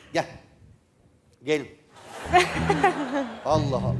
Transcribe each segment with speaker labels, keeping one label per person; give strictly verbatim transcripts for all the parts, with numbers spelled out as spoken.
Speaker 1: Gel. Gelin. Allah Allah.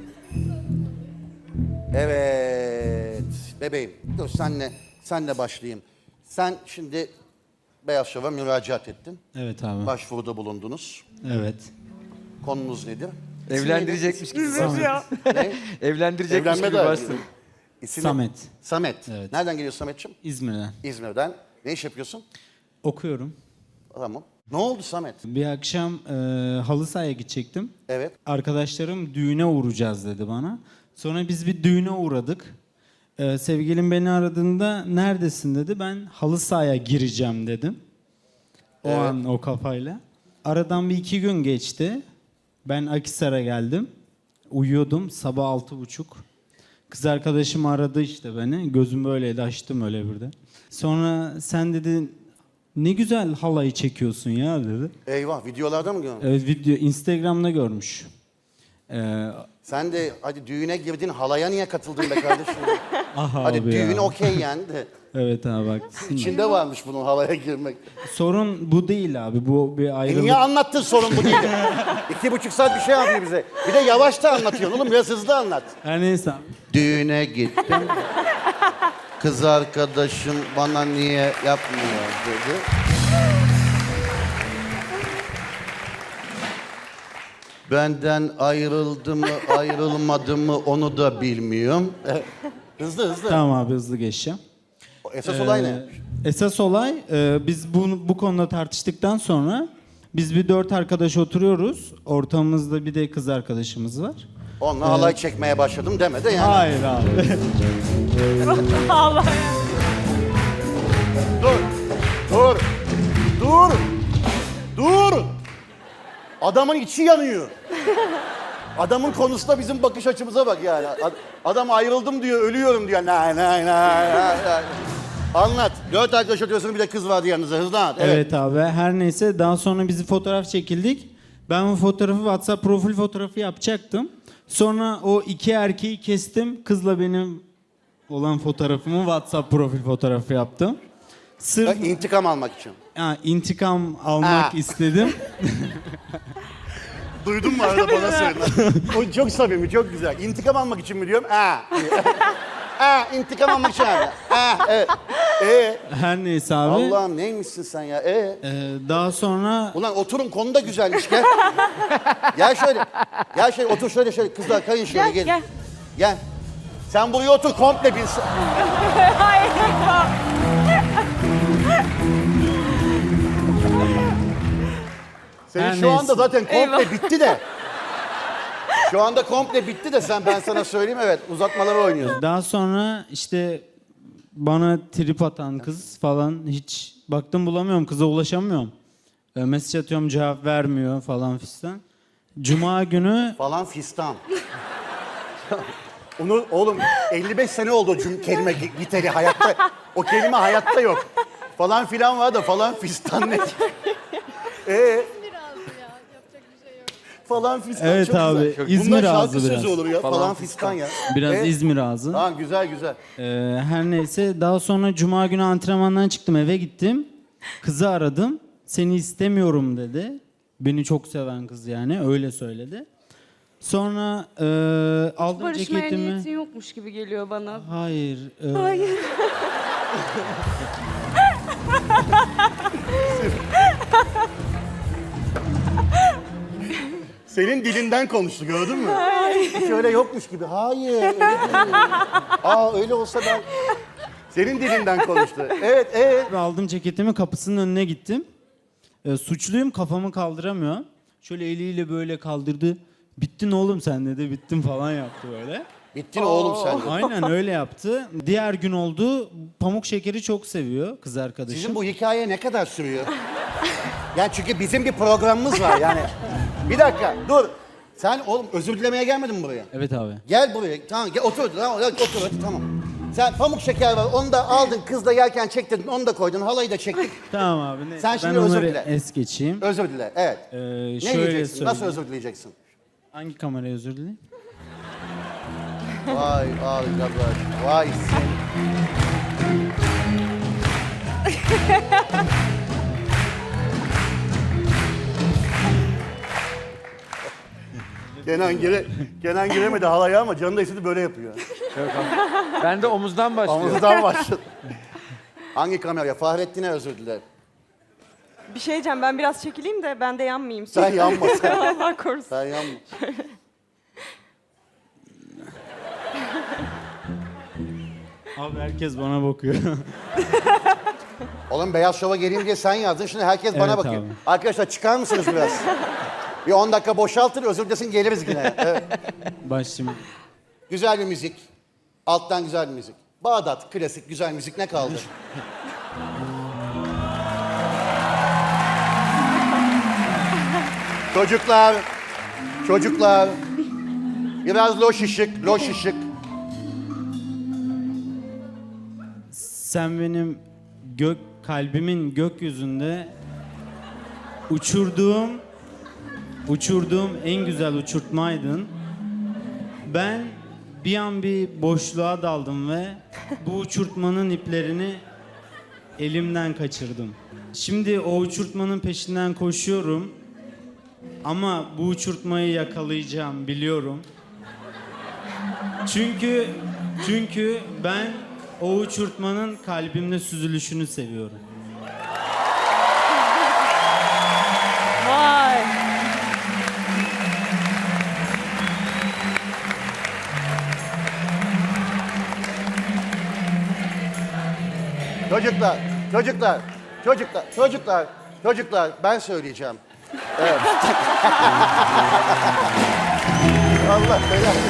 Speaker 1: Evet. Bebeğim. Dur senle, senle başlayayım. Sen şimdi Beyaz Şov'a müracaat ettin.
Speaker 2: Evet abi.
Speaker 1: Başvuruda bulundunuz.
Speaker 2: Evet.
Speaker 1: Konunuz nedir?
Speaker 3: Evlendirecekmiş gibi.
Speaker 1: Ne?
Speaker 3: Evlendirecekmiş
Speaker 1: Evlenme
Speaker 3: gibi
Speaker 1: de-
Speaker 3: bastın.
Speaker 1: İsmi-
Speaker 2: Samet.
Speaker 1: Samet.
Speaker 2: Evet.
Speaker 1: Nereden geliyorsun Samet'ciğim?
Speaker 2: İzmir'den.
Speaker 1: İzmir'den. Ne iş yapıyorsun?
Speaker 2: Okuyorum.
Speaker 1: Tamam. Ne oldu Samet?
Speaker 2: Bir akşam e, halı sahaya gidecektim.
Speaker 1: Evet.
Speaker 2: Arkadaşlarım düğüne uğrayacağız dedi bana. Sonra biz bir düğüne uğradık. E, sevgilim beni aradığında neredesin dedi. Ben halı sahaya gireceğim dedim. O
Speaker 1: Evet.
Speaker 2: an o kafayla. Aradan bir iki gün geçti. Ben Akhisar'a geldim. Uyuyordum sabah altı buçuk. Kız arkadaşım aradı işte beni. Gözüm böyleydi, açtım öyle birden. Sonra sen dedi ne güzel halayı çekiyorsun ya dedi.
Speaker 1: Eyvah, videolarda mı gördün?
Speaker 2: Evet, video Instagram'da görmüş. Ee,
Speaker 1: Sen de hadi düğüne girdin, halaya niye katıldın be kardeşim?
Speaker 2: aha
Speaker 1: Hadi
Speaker 2: abi
Speaker 1: düğün
Speaker 2: ya.
Speaker 1: okey yani de.
Speaker 2: Evet abi haklısın.
Speaker 1: İçinde varmış bunun halaya girmek.
Speaker 2: Sorun bu değil abi. Bu bir
Speaker 1: E
Speaker 2: ayrılık.
Speaker 1: niye anlattın sorun bu değil? İki buçuk saat bir şey yapıyor bize. Bir de yavaş da anlatıyorsun oğlum, biraz hızlı anlat.
Speaker 2: Her neyse abi.
Speaker 1: Düğüne gittim. Kız arkadaşım bana niye yapmıyor dedi. Benden ayrıldı mı ayrılmadı mı onu da bilmiyorum. hızlı hızlı.
Speaker 2: Tamam abi hızlı geçeceğim.
Speaker 1: Esas olay ne?
Speaker 2: Ee, Esas olay e, biz bu, bu konuda tartıştıktan sonra biz bir dört arkadaş oturuyoruz. Ortamımızda bir de kız arkadaşımız var.
Speaker 1: Onunla halay çekmeye başladım deme de yani.
Speaker 2: Hayır abi.
Speaker 4: Allah.
Speaker 1: Dur. Dur. Dur. Dur. Adamın içi yanıyor. Adamın konusunda bizim bakış açımıza bak yani. Ad- Adam ayrıldım diyor, ölüyorum diyor. Nay nay nay nay. nay. Anlat. Dört arkadaş oturuyorsun, bir de kız vardı yanınızda. Hızlı anlat. Evet.
Speaker 2: Evet abi her neyse daha sonra bizi fotoğraf çekildik. Ben bu fotoğrafı WhatsApp profil fotoğrafı yapacaktım. Sonra o iki erkeği kestim. Kızla benim olan fotoğrafımı WhatsApp profil fotoğrafı yaptım.
Speaker 1: Ha,
Speaker 2: Sırf
Speaker 1: İntikam almak için.
Speaker 2: ha, intikam almak
Speaker 1: Ha.
Speaker 2: istedim.
Speaker 1: Duydun mu arada bana söyle. O çok samimi, çok güzel. İntikam almak için mi diyorum? Ha. Ha, intikam almak için abi. Ha, evet. Ee,
Speaker 2: Her neyse abi.
Speaker 1: Allah'ım neymişsin sen ya? Ee.
Speaker 2: Ee, daha sonra
Speaker 1: Ulan oturun, konu da güzelmiş, gel. Gel şöyle. Gel şöyle, otur şöyle şöyle. Kızlar kayın şöyle,
Speaker 4: Gel,
Speaker 1: gelin.
Speaker 4: gel.
Speaker 1: Gel. Sen buraya otur, komple bir...
Speaker 4: Hayır.
Speaker 1: Senin
Speaker 2: Her
Speaker 1: şu
Speaker 2: neyse.
Speaker 1: anda zaten komple
Speaker 4: Eyvah.
Speaker 1: bitti de. Şu anda komple bitti de sen, ben sana söyleyeyim, evet, uzatmaları oynuyorsun.
Speaker 2: daha sonra işte bana trip atan kız falan hiç baktım bulamıyorum, kıza ulaşamıyorum. Ee, mesaj atıyorum cevap vermiyor falan fistan. Cuma günü
Speaker 1: Falan fistan. Onu oğlum elli beş sene oldu o cüm kelime gi- giteri hayatta. O kelime hayatta yok. Falan filan var da falan fistan ne? Ee, falan fistan
Speaker 2: Evet
Speaker 1: çok
Speaker 2: abi,
Speaker 1: güzel. Çok-
Speaker 2: İzmir
Speaker 1: Bundan şarkı
Speaker 2: ağzı
Speaker 1: sözü
Speaker 2: biraz.
Speaker 1: olur ya. Falan,
Speaker 3: Falan
Speaker 1: fistan ya.
Speaker 2: biraz
Speaker 1: Ee,
Speaker 2: İzmir ağzı.
Speaker 1: Tamam, güzel güzel.
Speaker 2: Ee, her neyse daha sonra cuma günü antrenmandan çıktım, eve gittim. Kızı aradım. Seni istemiyorum dedi. Beni çok seven kız yani öyle söyledi. Sonra e, aldım
Speaker 4: Barışmaya
Speaker 2: ceketimi.
Speaker 4: niyetin yokmuş gibi geliyor bana.
Speaker 2: Hayır. e,
Speaker 4: Hayır.
Speaker 1: Senin dilinden konuştu, gördün mü? Hiç öyle yokmuş gibi. Hayır, öyle değil. Aa, öyle olsa ben... Senin dilinden konuştu. Evet, evet.
Speaker 2: Aldım ceketimi, kapısının önüne gittim. E, suçluyum, kafamı kaldıramıyor. Şöyle eliyle böyle kaldırdı. Bittin oğlum sen dedi. Bittim falan yaptı böyle.
Speaker 1: Bittin oğlum sen de.
Speaker 2: Aynen öyle yaptı. Diğer gün oldu. Pamuk şekeri çok seviyor kız arkadaşım.
Speaker 1: Sizin bu hikaye ne kadar sürüyor? Yani çünkü bizim bir programımız var yani. Bir dakika, dur. Sen oğlum özür dilemeye gelmedin mi buraya?
Speaker 2: Evet abi.
Speaker 1: Gel buraya, tamam gel otur, tamam, gel, otur, hadi, tamam. Sen pamuk şeker var, onu da aldın, kızla yerken çektirdin, onu da koydun, halayı da çektik.
Speaker 2: Tamam abi. Ne?
Speaker 1: Sen
Speaker 2: ben
Speaker 1: şimdi özür
Speaker 2: onları
Speaker 1: dile.
Speaker 2: es geçeyim.
Speaker 1: Özür dile, evet.
Speaker 2: Ee,
Speaker 1: Ne
Speaker 2: şöyle
Speaker 1: diyeceksin, nasıl
Speaker 2: söyleyeyim.
Speaker 1: özür dileyeceksin?
Speaker 2: Hangi kameraya özür dileyim?
Speaker 1: Vay arkadaş, vay sen. Kenan gire, Kenan giremedi halaya ama canı da istedi böyle yapıyor.
Speaker 3: Yok abi. Ben de omuzdan başlıyorum.
Speaker 1: Omuzdan başladı. Hangi kameraya? Fahrettin'e özür dilerim.
Speaker 5: Bir şey diyeceğim, ben biraz çekileyim de ben de yanmayayım.
Speaker 1: Sen yanma sen.
Speaker 5: Allah korusun.
Speaker 1: Sen yanma.
Speaker 2: Abi herkes bana bakıyor.
Speaker 1: Oğlum Beyaz Şov'a geleyim diye sen yazdın. Şimdi herkes bana
Speaker 2: Evet
Speaker 1: bakıyor.
Speaker 2: abi.
Speaker 1: Arkadaşlar çıkar mısınız biraz? Bir on dakika boşaltın, özür dilesin geliriz yine. Evet.
Speaker 2: Başlayayım.
Speaker 1: Güzel bir müzik. Alttan güzel bir müzik. Bağdat, klasik, güzel müzik ne kaldı? Çocuklar, çocuklar. Biraz loş ışık, loş ışık.
Speaker 2: Sen benim gök kalbimin gökyüzünde uçurduğum uçurduğum en güzel uçurtmaydın. Ben bir an bir boşluğa daldım ve bu uçurtmanın iplerini elimden kaçırdım. Şimdi o uçurtmanın peşinden koşuyorum. Ama bu uçurtmayı yakalayacağım biliyorum. Çünkü çünkü ben o uçurtmanın kalbimde süzülüşünü seviyorum.
Speaker 5: Vay.
Speaker 1: Çocuklar, çocuklar, çocuklar, çocuklar, çocuklar ben söyleyeceğim. Evet. Allah belanı.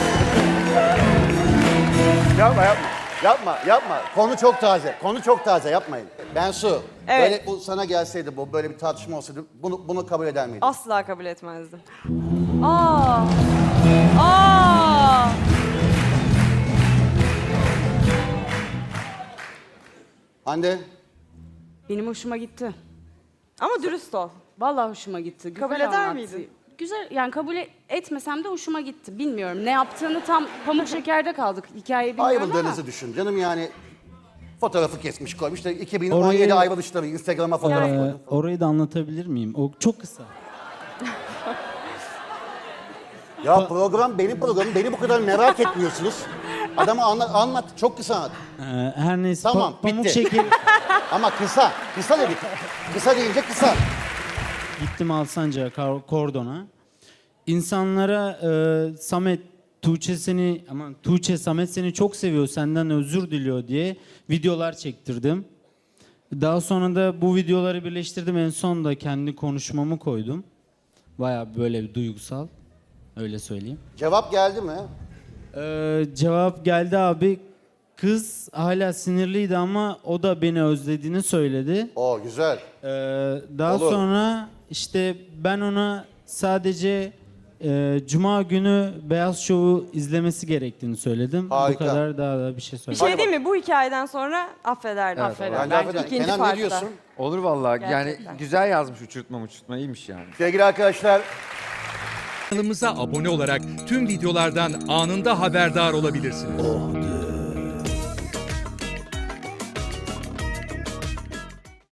Speaker 1: Yapma yapma. Yapma yapma. Konu çok taze. Konu çok taze yapmayın. Bensu.
Speaker 5: Evet.
Speaker 1: Böyle bu sana gelseydi bu böyle bir tartışma olsaydı bunu bunu kabul eder miydin?
Speaker 5: Asla kabul etmezdim. Aa. Aa.
Speaker 1: Hande.
Speaker 4: Benim hoşuma gitti.
Speaker 5: Ama dürüst ol.
Speaker 4: Vallahi hoşuma gitti. Güzel
Speaker 5: Kabul eder
Speaker 4: anlattı.
Speaker 5: miydin?
Speaker 4: Güzel, yani kabul etmesem de hoşuma gitti. Bilmiyorum ne yaptığını tam pamuk şekerde kaldık. Hikayeyi bilmiyorum ama.
Speaker 1: Ayrıldığınızı düşün. Canım yani fotoğrafı kesmiş koymuş da iki bin on yedi
Speaker 2: Orayı-
Speaker 1: ayrılışları Instagram'a fotoğraf
Speaker 2: Ee,
Speaker 1: koydum.
Speaker 2: orayı da anlatabilir miyim? O çok kısa.
Speaker 1: Ya program benim programım. Beni bu kadar merak etmiyorsunuz. Adama anlat, anlat. Çok kısa anlat.
Speaker 2: Ee, her neyse
Speaker 1: Tamam,
Speaker 2: pa- pamuk
Speaker 1: bitti.
Speaker 2: şeker
Speaker 1: Ama kısa. Kısa dedik. Kısa deyince kısa.
Speaker 2: gittim Alsancak'a kar- kordona. İnsanlara e, Samet Tuğçe seni aman Tuğçe Samet seni çok seviyor senden özür diliyor diye videolar çektirdim. Daha sonra da bu videoları birleştirdim, en son da kendi konuşmamı koydum. Bayağı böyle bir duygusal, öyle söyleyeyim.
Speaker 1: Cevap geldi mi?
Speaker 2: Ee, cevap geldi abi. Kız hala sinirliydi ama o da beni özlediğini söyledi.
Speaker 1: Oo güzel.
Speaker 2: Ee, daha
Speaker 1: Olur.
Speaker 2: sonra işte ben ona sadece e, Cuma günü Beyaz Şov'u izlemesi gerektiğini söyledim.
Speaker 1: Harika.
Speaker 2: Bu kadar, daha da bir şey
Speaker 5: Bir
Speaker 2: söylemedim.
Speaker 5: şey değil mi? Bu hikayeden sonra affederdim.
Speaker 3: Evet,
Speaker 5: affederdim.
Speaker 1: Bence
Speaker 5: Belki
Speaker 1: affeder.
Speaker 5: ikinci
Speaker 1: Kenan ne
Speaker 5: partta.
Speaker 1: diyorsun?
Speaker 3: Olur vallahi.
Speaker 5: Gerçekten.
Speaker 3: Yani güzel yazmış uçurtma uçurtma iyiymiş yani.
Speaker 1: Sevgili arkadaşlar,
Speaker 6: Kanalımıza abone olarak tüm videolardan anında haberdar olabilirsiniz.